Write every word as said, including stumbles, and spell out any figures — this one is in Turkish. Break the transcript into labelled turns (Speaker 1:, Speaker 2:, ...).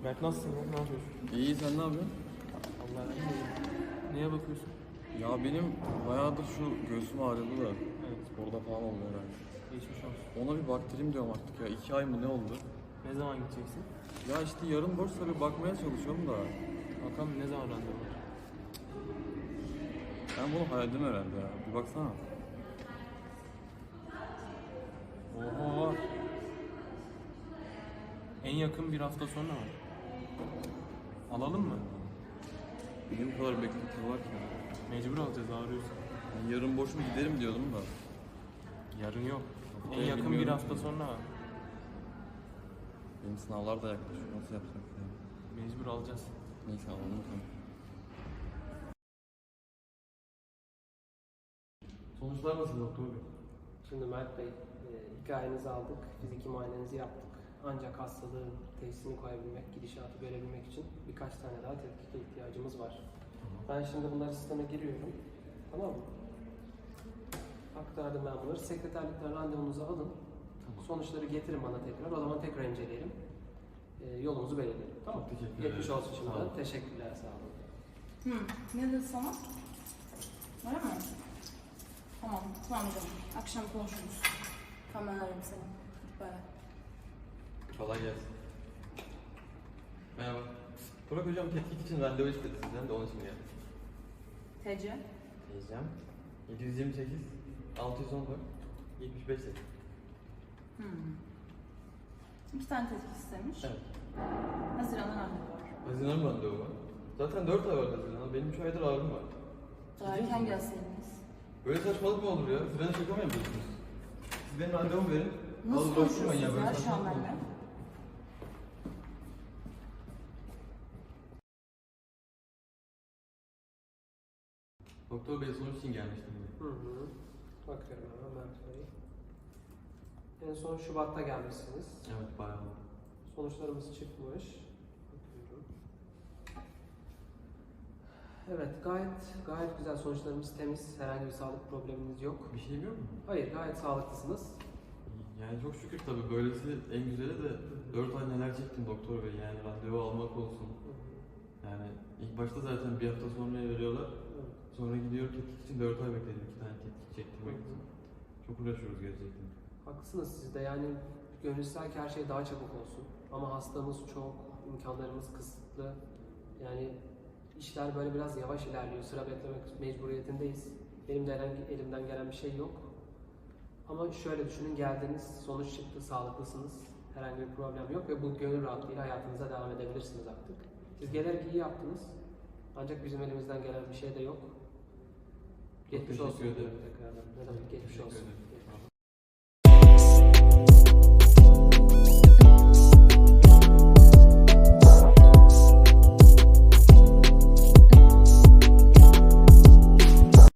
Speaker 1: Berk nasılsın ya? Ne yapıyorsun?
Speaker 2: İyi, sen ne yapıyorsun?
Speaker 1: Allah'ım iyi. Neye bakıyorsun?
Speaker 2: Ya benim bayağıdır şu göğsüm ağrıyordu da.
Speaker 1: Evet.
Speaker 2: Sporda falan oldu herhalde.
Speaker 1: Geçmiş olsun.
Speaker 2: Ona bir baktırayım diyorum artık ya. İki ay mı ne oldu?
Speaker 1: Ne zaman gideceksin?
Speaker 2: Ya işte yarın boşsa bir bakmaya çalışıyorum da.
Speaker 1: Bakalım ne zaman randevu var?
Speaker 2: Ben bunu hayaldim herhalde ya. Bir baksana.
Speaker 1: Oho. En yakın bir hafta sonra mı? Alalım mı?
Speaker 2: Niye bu kadar beklenti var ki?
Speaker 1: Mecbur alacağız, ağrıyorsun.
Speaker 2: Ben yarın boş mu giderim diyordum da.
Speaker 1: Yarın yok. En
Speaker 2: Haftaya
Speaker 1: yakın bir
Speaker 2: bilmiyorum
Speaker 1: hafta
Speaker 2: ki.
Speaker 1: sonra var.
Speaker 2: Benim sınavlar da yaklaşıyor. Nasıl yapsak ya?
Speaker 1: Mecbur alacağız.
Speaker 2: Neyse alalım tamam. Sonuçlar nasıl doktor bey?
Speaker 3: Şimdi Mert Bey, e, hikayenizi aldık, fiziki muayenenizi yaptık. Ancak hastalığın teşhisini koyabilmek, gidişatı görebilmek için birkaç tane daha tetkike ihtiyacımız var. Ben şimdi bunları sisteme giriyorum. Tamam mı? Aktardım ben bunları. Sekreterlikten randevunuzu alın.
Speaker 2: Tamam.
Speaker 3: Sonuçları getirin bana tekrar. O zaman tekrar inceleyelim. E, yolumuzu belirleyelim. Tamam.
Speaker 2: Çok teşekkür
Speaker 3: Geçmiş
Speaker 2: ederim.
Speaker 3: olsun
Speaker 2: Sağ
Speaker 3: şimdiden.
Speaker 2: olun.
Speaker 3: Teşekkürler, sağ olun.
Speaker 4: Hı, ne dedi sana? Öyle mi? Tamam, tamam canım. Akşam konuşuruz. Tamam, ben ararım seni. Bay bay.
Speaker 2: Kolay gelsin. Merhaba. Burak hocam tetkik için randevu istedi sizden de onun için geldim.
Speaker 4: T C.
Speaker 2: Diyeceğim. yedi yüz yirmi sekiz, altı yüz on dört, yetmiş beş sekiz.
Speaker 4: Hmm. İki tane tetkik istemiş.
Speaker 2: Evet.
Speaker 4: Haziran'da randevu var.
Speaker 2: Haziran randevu var. Zaten dört ay var Haziran'a. Benim üç aydır ağrım var.
Speaker 4: Daha
Speaker 2: Ciddi
Speaker 4: erken
Speaker 2: misin?
Speaker 4: gelseydiniz.
Speaker 2: Böyle saçmalık mı olur ya? Siz bana şaka mı yapıyorsunuz? Siz benim randevumu verin.
Speaker 4: Nasıl
Speaker 2: Al bırakın ben
Speaker 4: konuşuyorsunuz
Speaker 2: böyle
Speaker 4: ya şu an
Speaker 2: saçmalık mı
Speaker 4: benimle?
Speaker 2: olur? Doktor bey sonuç için gelmiştim.
Speaker 3: Hı hı. Bakıyorum hemen Mert Bey. En son Şubat'ta gelmişsiniz.
Speaker 2: Evet bayağı oldu.
Speaker 3: Sonuçlarımız çıkmış. Bakıyorum. Evet, gayet gayet güzel sonuçlarımız temiz. Herhangi bir sağlık probleminiz yok.
Speaker 2: Bir şeyim yok mu?
Speaker 3: Hayır, gayet sağlıklısınız.
Speaker 2: Yani çok şükür tabii böylesi en güzeli de dört ay neler çektim doktor bey, yani randevu almak olsun. Yani ilk başta zaten bir hafta sonra veriyorlar.
Speaker 3: Evet.
Speaker 2: Sonra gidiyor tetkik için dört ay bekledim iki tane tetkik çektirmek için. Çok uğraşıyoruz gerçekten.
Speaker 3: Haklısınız siz de, yani gönül ister ki her şey daha çabuk olsun. Ama hastamız çok, imkanlarımız kısıtlı. Yani işler böyle biraz yavaş ilerliyor. Sıra beklemek mecburiyetindeyiz. Benim de herhangi elimden gelen bir şey yok. Ama şöyle düşünün, geldiniz, sonuç çıktı, sağlıklısınız. Herhangi bir problem yok ve bu gönül rahatlığıyla hayatınıza devam edebilirsiniz artık. Siz gelerek iyi yaptınız. Ancak bizim elimizden gelen bir şey de yok.
Speaker 2: Çok
Speaker 3: Geçmiş
Speaker 2: teşekkür
Speaker 3: olsun
Speaker 2: ederim.
Speaker 3: diyorum tekrardan. Ne demek, geçmiş
Speaker 2: Teşekkür
Speaker 3: olsun.
Speaker 2: ederim.
Speaker 3: Geçmiş olsun.